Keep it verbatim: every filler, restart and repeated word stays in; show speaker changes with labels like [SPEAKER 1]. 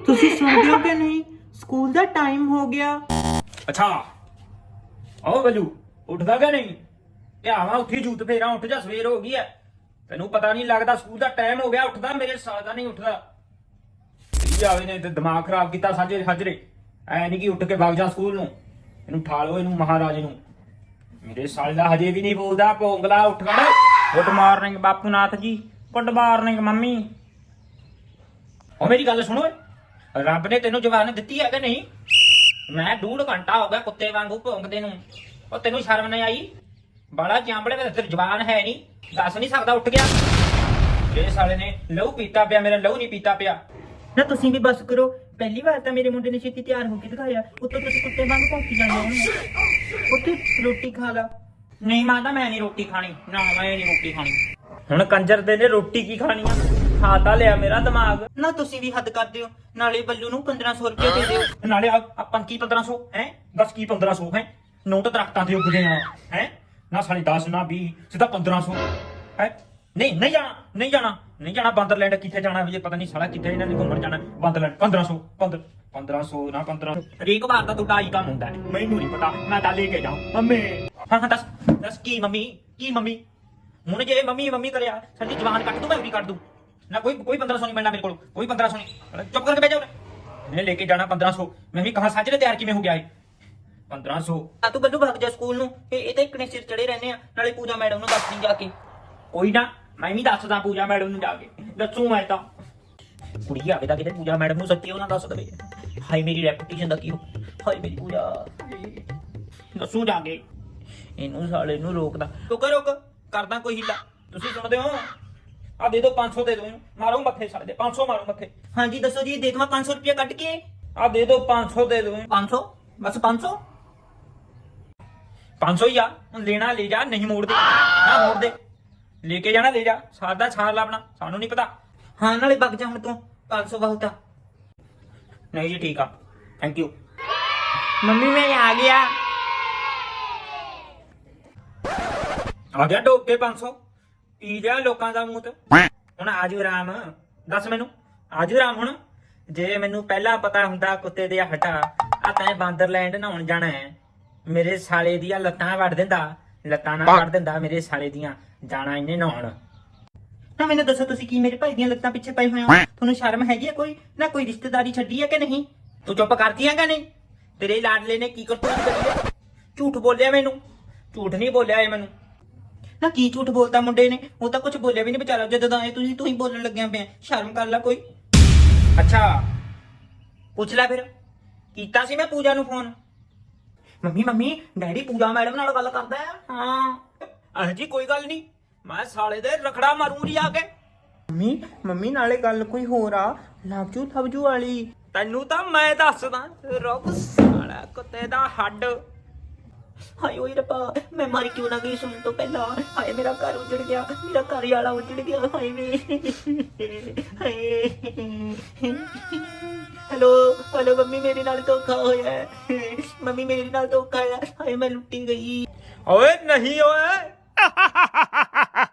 [SPEAKER 1] ਤੁਸੀਂ ਸੁਣਦੇ ਹੋ ਕਿ ਨਹੀਂ? ਸਕੂਲ ਦਾ ਟਾਈਮ ਹੋ ਗਿਆ।
[SPEAKER 2] ਅੱਛਾ ਆਓ ਬੱਲੂ, ਉੱਠਦਾ ਕਿ ਨਹੀਂ? ਧਿਆਵਾ ਉੱਠੀ ਜੂਤ ਫੇਰਾ, ਉੱਠ ਜਾ, ਸਵੇਰ ਹੋ ਗਈ ਐ। ਤੈਨੂੰ ਪਤਾ ਨਹੀਂ ਲੱਗਦਾ ਸਕੂਲ ਦਾ ਟਾਈਮ ਹੋ ਗਿਆ। ਉੱਠਦਾ ਮੇਰੇ ਸਾਲ ਦਾ ਨਹੀਂ ਉੱਠਦਾ। ਕੀ ਆਵੇ ਨੇ ਤੇ ਦਿਮਾਗ ਖਰਾਬ ਕੀਤਾ ਸਾਜੇ ਹਜਰੇ। ਐ ਨਹੀਂ ਕਿ ਉੱਠ ਕੇ ਵਗ ਜਾ ਸਕੂਲ ਨੂੰ। ਇਹਨੂੰ ਠਾਲੋ, ਇਹਨੂੰ ਮਹਾਰਾਜ ਨੂੰ। ਮੇਰੇ ਸਾਲ ਦਾ ਹਜੇ ਵੀ ਨਹੀਂ ਬੋਲਦਾ। ਭੋਂਗਲਾ ਉੱਠ ਖੜ। Good morning Bapu Nath ji. Good morning mummy. ਉਹ ਮੇਰੀ ਗੱਲ ਸੁਣੋ, ਰੱਬ ਨੇ ਤੈਨੂੰ ਜਵਾਨ ਦਿੱਤੀ ਹੈ ਕਿ ਨਹੀਂ? ਮੈਂ ਡੂਢ ਘੰਟਾ ਹੋ ਗਿਆ ਕੁੱਤੇ ਵਾਂਗੂ ਭੌਂਕਦੇ ਨੂੰ। ਉਹ ਤੈਨੂੰ ਸ਼ਰਮ ਨਹੀਂ ਆਈ? ਬਾਲਾ ਚਾਂਬੜੇ ਵਿੱਚ ਤੇਰੀ ਜਵਾਨ ਹੈ ਨਹੀਂ, ਦੱਸ ਨਹੀਂ ਸਕਦਾ ਉੱਠ ਗਿਆ। ਇਹ ਸਾਲੇ ਨੇ ਲਹੂ ਪੀਤਾ ਪਿਆ, ਮੇਰਾ ਲਹੂ ਨਹੀਂ ਪੀਤਾ ਪਿਆ।
[SPEAKER 1] ਨਾ ਤੁਸੀਂ ਵੀ ਬਸ ਕਰੋ। ਪਹਿਲੀ ਵਾਰ ਤਾਂ ਮੇਰੇ ਮੁੰਡੇ ਨੇ ਛੇਤੀ ਤਿਆਰ ਹੋ ਕੇ ਦਿਖਾਇਆ, ਉੱਤੋਂ ਤੁਸੀਂ ਕੁੱਤੇ ਵਾਂਗ ਭੌਂਕੀ ਜਾਂਦੇ ਹੋ। ਉੱਥੇ ਰੋਟੀ ਖਾ ਲਾ।
[SPEAKER 2] ਨਹੀਂ ਮਾਤਾ, ਮੈਂ ਨਹੀਂ ਰੋਟੀ ਖਾਣੀ। ਨਾ ਮੈਂ ਨਹੀਂ ਰੋਟੀ ਖਾਣੀ। ਹੁਣ ਕੰਜਰ ਦੇ ਨੇ ਰੋਟੀ ਕੀ ਖਾਣੀ ਆ? ਖਾ ਤਾਂ ਲਿਆ ਮੇਰਾ ਦਿਮਾਗ।
[SPEAKER 1] ਨਾ ਤੁਸੀਂ ਵੀ ਹੱਦ ਕਰਦੇ ਹੋ। ਨਾਲੇ ਬੱਲੂ ਨੂੰ ਪੰਦਰਾਂ ਸੌ ਰੁਪਏ ਦੇ ਦਿਓ।
[SPEAKER 2] ਨਾਲੇ ਆਪਾਂ ਕੀ ਪੰਦਰਾਂ ਸੌ ਹੈ? ਦੱਸ ਕੀ ਪੰਦਰਾਂ ਸੌ ਹੈ? ਨੋਟ ਦਰਖਤਾਂ ਤੇ ਉੱਗਦੇ ਆ ਹੈ ਨਾ। ਸਾਲੀ ਦਸ ਨਾ ਵੀਹ, ਸਿੱਧਾ ਪੰਦਰਾਂ ਸੌ ਹੈ। ਨਹੀਂ ਨਹੀਂ ਜਾਣਾ, ਨਹੀਂ ਜਾਣਾ, ਨਹੀਂ ਜਾਣਾ। ਬਾਂਦਰਲੈਂਡ ਕਿੱਥੇ ਜਾਣਾ ਵੀ? ਪਤਾ ਨਹੀਂ ਸਾਲਾ ਕਿੱਥੇ ਇਹਨਾਂ ਨੇ ਘੁੰਮਣ ਜਾਣਾ। ਬਾਂਦਰਲੈਂਡ ਪੰਦਰਾਂ ਸੌ ਪੰਦਰ ਪੰਦਰਾਂ ਸੌ ਨਾ ਪੰਦਰਾਂ ਸੌ। ਹਰੇਕ ਵਾਰ ਤਾਂ ਤੁਹਾਡਾ ਆਈ ਕੰਮ ਹੁੰਦਾ। ਮੈਨੂੰ ਨਹੀਂ ਪਤਾ, ਮੈਂ ਤਾਂ ਲੈ ਕੇ ਜਾਉਂ ਮੰਮੀ। ਹਾਂ ਹਾਂ ਦੱਸ ਦੱਸ ਕੀ ਮੰਮੀ? ਕੀ ਮੰਮੀ? ਹੁਣ ਜੇ ਮੰਮੀ ਮੰਮੀ ਕਰਿਆ ਸਾਡੀ ਜਵਾਨ ਕੱਟ ਦੂੰ, ਮੈਂ ਵੀ ਕੱਟ ਦੂੰ ਨਾ। ਕੋਈ ਕੋਈ ਪੰਦਰਾਂ ਸੌ ਨਹੀਂ ਮਿਲਣਾ ਮੇਰੇ ਕੋਲ, ਕੋਈ ਪੰਦਰਾਂ ਸੌ ਨਹੀਂ। ਚੁੱਪ ਕਰਕੇ ਬਹਿ ਜਾ। ਉਹਨੇ ਲੈ ਕੇ ਜਾਣਾ ਪੰਦਰਾਂ ਸੌ। ਮੈਂ ਵੀ ਕਹਾਂ ਸਾਜਰੇ ਤਿਆਰ ਕਿਵੇਂ ਹੋ ਗਿਆ ਇਹ ਪੰਦਰਾਂ ਸੌ?
[SPEAKER 1] ਆ ਤੂੰ ਬੱਲੂ ਭੱਗ ਜਾ ਸਕੂਲ ਨੂੰ। ਇਹ ਇਹ ਤਾਂ ਇੱਕ ਨੇ ਸਿਰ ਚੜੇ ਰਹਿੰਦੇ ਆ। ਨਾਲੇ ਪੂਜਾ ਮੈਡਮ ਨੂੰ ਦੱਸ ਨਹੀਂ ਜਾ ਕੇ।
[SPEAKER 2] ਕੋਈ ਨਾ, ਮੈਂ ਵੀ ਦੱਸਦਾ ਪੂਜਾ ਮੈਡਮ ਨੂੰ ਜਾ ਕੇ। ਦੱਸੂ ਮੈਂ ਤਾਂ। ਕੁੜੀ ਆਵੇ ਤਾਂ ਕਿਤੇ ਪੂਜਾ ਮੈਡਮ ਨੂੰ ਸੱਚੀ ਉਹਨਾਂ ਦੱਸ ਦੇਵੇ। ਹਾਈ ਮੇਰੀ ਰੈਪੂਟੇਸ਼ਨ ਦਾ ਕੀ ਹੋ? ਹਾਈ ਮੇਰੀ ਪੂਜਾ ਦੱਸੂ ਜਾ ਕੇ। ਇਹਨੂੰ ਸਾਲੇ ਨੂੰ ਰੋਕਦਾ। ਰੁਕ ਰੁਕ, ਕਰਦਾ ਕੋਈ ਹੀਲਾ। ਤੁਸੀਂ ਸੁਣਦੇ ਹੋ? ਆ ਦੇ ਦੋ ਪੰਜ ਸੌ, ਦੇ ਦੋ ਇਹਨੂੰ। ਮਾਰੋ ਮੱਥੇ ਸਾਲੇ ਦੇ। ਪੰਜ ਸੌ ਮਾਰੋ ਮੱਥੇ।
[SPEAKER 1] ਹਾਂਜੀ ਦੱਸੋ ਜੀ, ਦੇ ਦੇਵਾਂ ਪੰਜ ਸੌ ਰੁਪਏ ਕੱਢ ਕੇ?
[SPEAKER 2] ਆ ਦੇ ਦੋ ਪੰਜ ਸੌ, ਦੇ ਦੋ ਇਹਨੂੰ।
[SPEAKER 1] ਪੰਜ ਸੌ? ਬਸ ਪੰਜ ਸੌ?
[SPEAKER 2] ਪੰਜ ਸੌ ਹੀ ਆ। ਹੁਣ ਲੈਣਾ ਲੈ ਜਾ, ਨਹੀਂ ਮੋੜਦੇ ਨਾ ਮੋੜ ਦੇ। ਲੈ ਕੇ ਜਾਣਾ ਲੈ ਜਾ। ਸਾਦਾ ਛਾੜ ਲਾ ਆਪਣਾ, ਸਾਨੂੰ ਨਹੀਂ ਪਤਾ।
[SPEAKER 1] ਹਾਂ ਨਾਲੇ ਵਗ ਜਾ ਹੁਣ ਤੂੰ। ਪੰਜ ਸੌ ਬਹੁਤ ਆ।
[SPEAKER 2] ਨਹੀਂ ਜੀ ਠੀਕ ਆ, ਥੈਂਕ ਯੂ।
[SPEAKER 1] ਮੰਮੀ ਮੈਂ ਆ ਗਿਆ।
[SPEAKER 2] ਆ ਗਿਆ ਡੋਬ ਕੇ ਪੰਜ ਸੌ। ਪੀ ਜਾ ਲੋਕਾਂ ਦਾ ਮੂੰਹ ਤੇ। ਹੁਣ ਆਜੂ ਰਾਮ, ਦੱਸ ਮੈਨੂੰ ਆਜੂ ਰਾਮ। ਹੁਣ ਜੇ ਮੈਨੂੰ ਪਹਿਲਾਂ ਪਤਾ ਹੁੰਦਾ ਕੁੱਤੇ ਦੇ ਹਟਾ ਆ ਤੈਂ ਬਾਂਦਰਲੈਂਡ ਨਹਾਉਣ ਜਾਣਾ ਹੈ, ਮੇਰੇ ਸਾਲੇ ਦੀਆਂ ਲੱਤਾਂ ਵੱਢ ਦਿੰਦਾ। ਲੱਤਾਂ ਨਾਲ ਵੱਢ ਦਿੰਦਾ ਮੇਰੇ ਸਾਲੇ ਦੀਆਂ। ਜਾਣਾ ਇਹਨੇ ਨਹਾਉਣ।
[SPEAKER 1] ਨਾ ਮੈਨੂੰ ਦੱਸੋ, ਤੁਸੀਂ ਕੀ ਮੇਰੇ ਭਾਈ ਦੀਆਂ ਲੱਤਾਂ ਪਿੱਛੇ ਪਏ ਹੋਏ ਹੋ? ਤੁਹਾਨੂੰ ਸ਼ਰਮ ਹੈਗੀ ਆ ਕੋਈ? ਨਾ ਕੋਈ ਰਿਸ਼ਤੇਦਾਰੀ ਛੱਡੀ ਹੈ ਕਿ ਨਹੀਂ?
[SPEAKER 2] ਤੂੰ ਚੁੱਪ ਕਰਦੀ ਆ ਕਿ ਨਹੀਂ? ਤੇਰੇ ਲਾਡਲੇ ਨੇ ਕੀ ਕਰਤੂਤ ਕਰੀ ਹੈ? ਝੂਠ ਬੋਲਿਆ ਮੈਨੂੰ। ਝੂਠ ਨਹੀਂ ਬੋਲਿਆ ਇਹ ਮੈਨੂੰ।
[SPEAKER 1] ਨਾ ਕੀ ਝੂਠ ਬੋਲਦਾ ਮੁੰਡੇ ਨੇ? ਉਹ ਤਾਂ ਕੁਝ ਬੋਲਿਆ ਵੀ ਨਹੀਂ ਵਿਚਾਰਾ। ਜਦੋਂ ਆਏ ਤੁਸੀਂ ਤੂੰ ਹੀ ਬੋਲਣ ਲੱਗਿਆ ਪਿਆ। ਸ਼ਰਮ ਕਰ ਲੈ ਕੋਈ।
[SPEAKER 2] ਅੱਛਾ ਪੁੱਛ ਲੈ ਫਿਰ। ਕੀਤਾ ਸੀ ਮੈਂ ਪੂਜਾ ਨੂੰ phone.
[SPEAKER 1] Mummy mummy daddy Pooja madam ਨਾਲ ਗੱਲ ਕਰਦਾ ਆ।
[SPEAKER 2] ਹਾਂ ਅਹ ਜੀ ਕੋਈ ਗੱਲ ਨਹੀਂ, ਮੈਂ ਸਾਲੇ ਦੇ ਰਖੜਾ ਮਾਰੂ ਜੀ ਆ ਕੇ।
[SPEAKER 1] ਮੰਮੀ ਮੰਮੀ ਨਾਲੇ ਗੱਲ ਕੋਈ ਹੋਰ ਆ। ਲਵਜੂ ਥਵਜੂ ਵਾਲੀ।
[SPEAKER 2] ਤੈਨੂੰ ਤਾਂ ਮੈਂ ਦੱਸਦਾ। ਰੁਕ ਸਾਲਾ ਕੁੱਤੇ ਦਾ ਹੱਡ।
[SPEAKER 1] ਹਾਏ ਓਏ ਰੱਬਾ, ਮੈਂ ਮਰ ਕਿਉਂ ਨਾ ਗਈ ਸੁਣਨ ਤੋਂ ਪਹਿਲਾਂ। ਹਾਏ ਮੇਰਾ ਘਰ ਉਜੜ ਗਿਆ, ਮੇਰਾ ਘਰ ਵਾਲਾ ਉਜੜ ਗਿਆ। ਹਾਏ ਵੇ ਹਾਏ। ਹੈਲੋ ਹੈਲੋ ਮੰਮੀ, ਮੇਰੇ ਨਾਲ ਧੋਖਾ ਹੋਇਆ ਹੈ। ਮੰਮੀ ਮੇਰੇ ਨਾਲ ਧੋਖਾ ਹੋਇਆ। ਹਾਏ ਮੈਂ ਲੁੱਟੀ ਗਈ।
[SPEAKER 2] ਓਏ ਨਹੀਂ ਓਏ